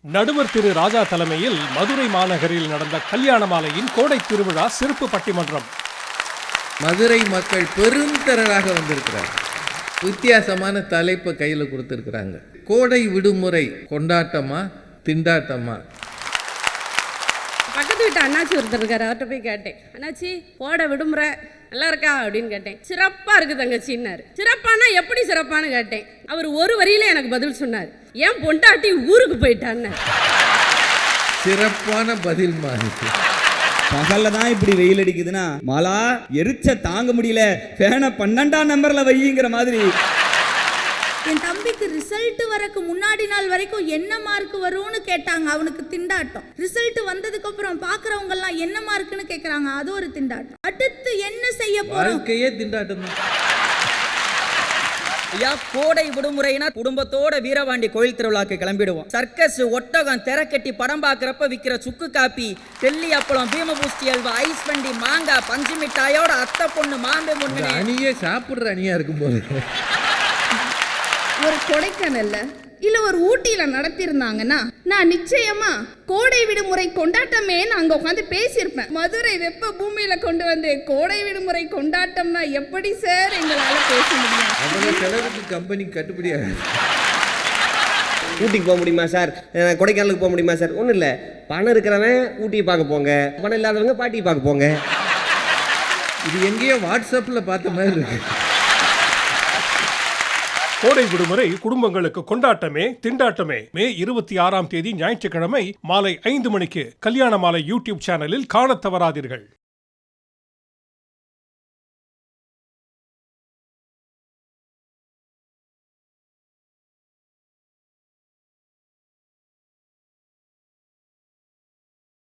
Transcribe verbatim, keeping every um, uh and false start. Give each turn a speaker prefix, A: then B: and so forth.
A: நடுவர் திரு ராஜா தலைமையில் மதுரை மாநகரில் நடந்த கல்யாண மாலையின் கோடை திருவிழா சிறப்பு பட்டிமன்றம்.
B: மதுரை மக்கள் பெருந்திரளாக வந்திருக்கிறார். வித்தியாசமான தலைப்பை கையில் கொடுத்துருக்குறாங்க. கோடை விடுமுறை கொண்டாட்டமா திண்டாட்டமா?
C: பக்கத்து வீட்டு அண்ணாச்சி ஒருத்தர் இருக்காரு, அவர்கிட்ட போய் கேட்டேன், அண்ணாச்சி கோடை விடுமுறை நல்லா இருக்கா அப்படின்னு கேட்டேன். சிறப்பாக இருக்குது தங்கச்சின்னாரு. சிறப்பானா எப்படி சிறப்பானு கேட்டேன். அவர் ஒரு வரியில எனக்கு பதில் சொன்னார், ஏன் பொண்டாட்டி ஊருக்கு போயிட்டான்னு.
B: சிறப்பான பதில் மாதிரி.
D: பகல்ல தான் இப்படி வெயில் அடிக்குதுன்னா மழை எரிச்ச தாங்க முடியல, ஃபேனை பன்னெண்டாம் நம்பர்ல வைங்கிற மாதிரி.
E: என் தம்பிக்கு ரிசல்ட் வரக்கு முன்னாடி நாள் வரைக்கும் என்ன மார்க் வரும்னு கேட்டாங்க, அவனுக்கு திண்டாட்டம். ரிசல்ட் வந்ததுக்கு அப்புறம் பாக்குறவங்க எல்லாம் என்ன மார்க்னு கேக்குறாங்க, அது ஒரு திண்டாட்டம். அடுத்து என்ன செய்ய போறோம்?
B: வாழ்க்கையே திண்டாட்டம் தான்.
F: ஐயா, கோடை விடுமுறைனா குடும்பத்தோட வீரபாண்டி கோயில் திருவிழாக்கு கிளம்பிடுவோம். சர்க்கஸ், ஒட்டகம், தெரக்கட்டி படம் பார்க்கறப்ப விற்கிற சுக்கு காப்பி, டெல்லி அப்பளம், பீமபூஸ்டி அல்வா, ஐஸ் வண்டி, மாங்காய், பஞ்சு மிட்டாயோட அத்தை பொண்ணு மாம்பே பொண்ணு
B: அணியே சாப்பிடுற அணியா இருக்கும் போது
E: ஒரு கொடைக்கானல்ல இல்ல ஒரு ஊட்டியில நடத்திருந்தாங்கன்னா நான் நிச்சயமா கோடை விடுமுறை கொண்டாட்டமே அங்க உட்காந்து பேசியிருப்பேன். மதுரை வெப்ப பூமியில கொண்டு வந்து கோடை விடுமுறை கொண்டாட்டம்னா எப்படி சார் எங்களால பேச முடியும்?
B: அவ்வளவு செலவுக்கு கம்பெனி கட்டுப்படியாக.
G: ஊட்டிக்கு போக முடியுமா சார், கொடைக்கானலுக்கு போக முடியுமா சார்? ஒன்றும் இல்லை, பணம் இருக்கிறவன் ஊட்டியை பார்க்க போங்க, பணம் இல்லாதவங்க பாட்டியை பார்க்க போங்க.
B: இது எங்கேயோ வாட்ஸ்அப்பில் பார்த்த மாதிரி இருக்கு.
A: கோடை விடுமுறை குடும்பங்களுக்கு கொண்டாட்டமே திண்டாட்டமே. மே இருபத்தி ஆறாம் தேதி ஞாயிற்றுக்கிழமை மாலை ஐந்து மணிக்கு கல்யாண மாலை யூடியூப் சேனலில் காணத் தவறாதீர்கள்.